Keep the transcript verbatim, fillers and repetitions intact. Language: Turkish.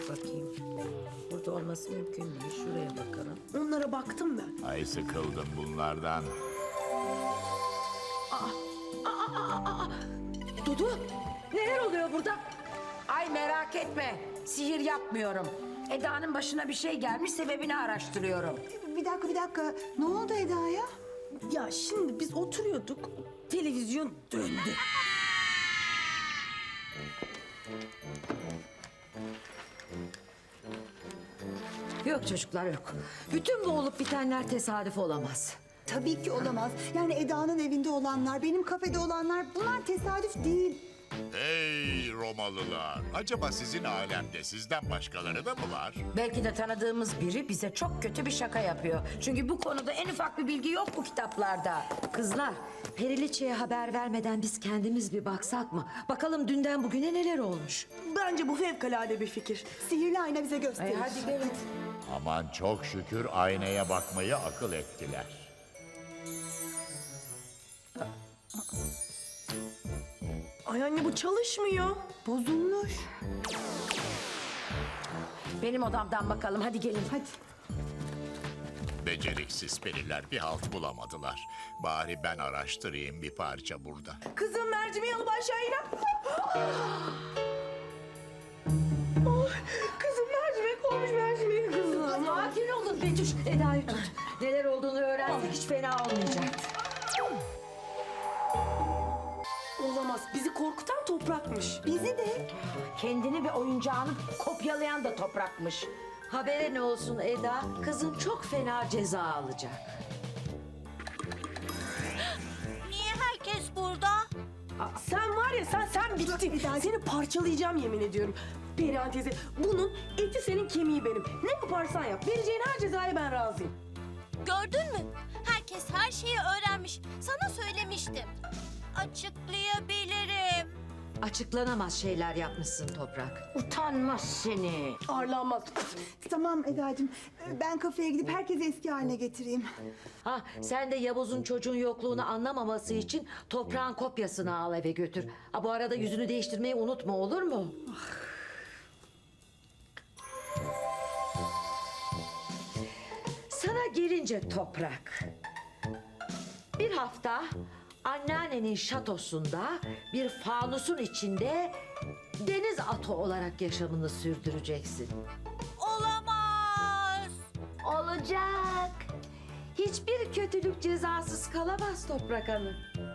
bakayım. Burada olması mümkün değil. Şuraya bakalım. Onlara baktım ben. Ay sıkıldım bunlardan. Dudu, neler oluyor burada? Ay merak etme. Sihir yapmıyorum. Eda'nın başına bir şey gelmiş, sebebini araştırıyorum. Bir dakika bir dakika. Ne oldu Eda'ya? Ya şimdi biz oturuyorduk, televizyon döndü. Yok çocuklar yok. Bütün bu olup bitenler tesadüf olamaz. Tabii ki olamaz. Yani Eda'nın evinde olanlar, benim kafede olanlar bunlar tesadüf değil. Hey Romalılar! Acaba sizin alemde sizden başkaları da mı var? Belki de tanıdığımız biri bize çok kötü bir şaka yapıyor. Çünkü bu konuda en ufak bir bilgi yok bu kitaplarda. Kızlar, Periliçe'ye haber vermeden biz kendimiz bir baksak mı? Bakalım dünden bugüne neler olmuş. Bence bu fevkalade bir fikir. Sihirli ayna bize Ay gösterir. hadi gelin. Aman çok şükür aynaya bakmayı akıl ettiler. Ay anne bu çalışmıyor. Bozulmuş. Benim odamdan bakalım. Hadi gelin. Hadi. Beceriksiz periler bir halt bulamadılar. Bari ben araştırayım bir parça burada. Kızım mercimeği alıp aşağı in. Ay, kızım mercimek olmuş mercimeği kızım. Sakin olun Betüş. Eda'yı tut. Neler olduğunu öğrensek hiç fena olmayacak. Olamaz. Bizi korkutan toprakmış. Bizi de. Kendini ve oyuncağını kopyalayan da toprakmış. Habere ne olsun Eda? Kızın çok fena ceza alacak. Niye herkes burada? Sen var ya sen sen bittin. Seni parçalayacağım yemin ediyorum. Perihan teyze bunun eti senin kemiği benim. Ne yaparsan yap. Vereceğin her cezaya ben razıyım. Gördün mü? Herkes her şeyi öğrenmiş. Sana söylemiştim. Açıklayabilirim. Açıklanamaz şeyler yapmışsın Toprak. Utanmaz seni. Arlanmaz. Tamam Eda'cığım. Ben kafeye gidip herkesi eski haline getireyim. Ha, sen de Yavuz'un çocuğun yokluğunu anlamaması için toprağın kopyasını al eve götür. Ha, bu arada yüzünü değiştirmeyi unutma, olur mu? Sana gelince Toprak. Bir hafta anneannenin şatosunda bir fanusun içinde deniz atı olarak yaşamını sürdüreceksin. Olamaz. Olacak. Hiçbir kötülük cezasız kalamaz Toprak Hanım.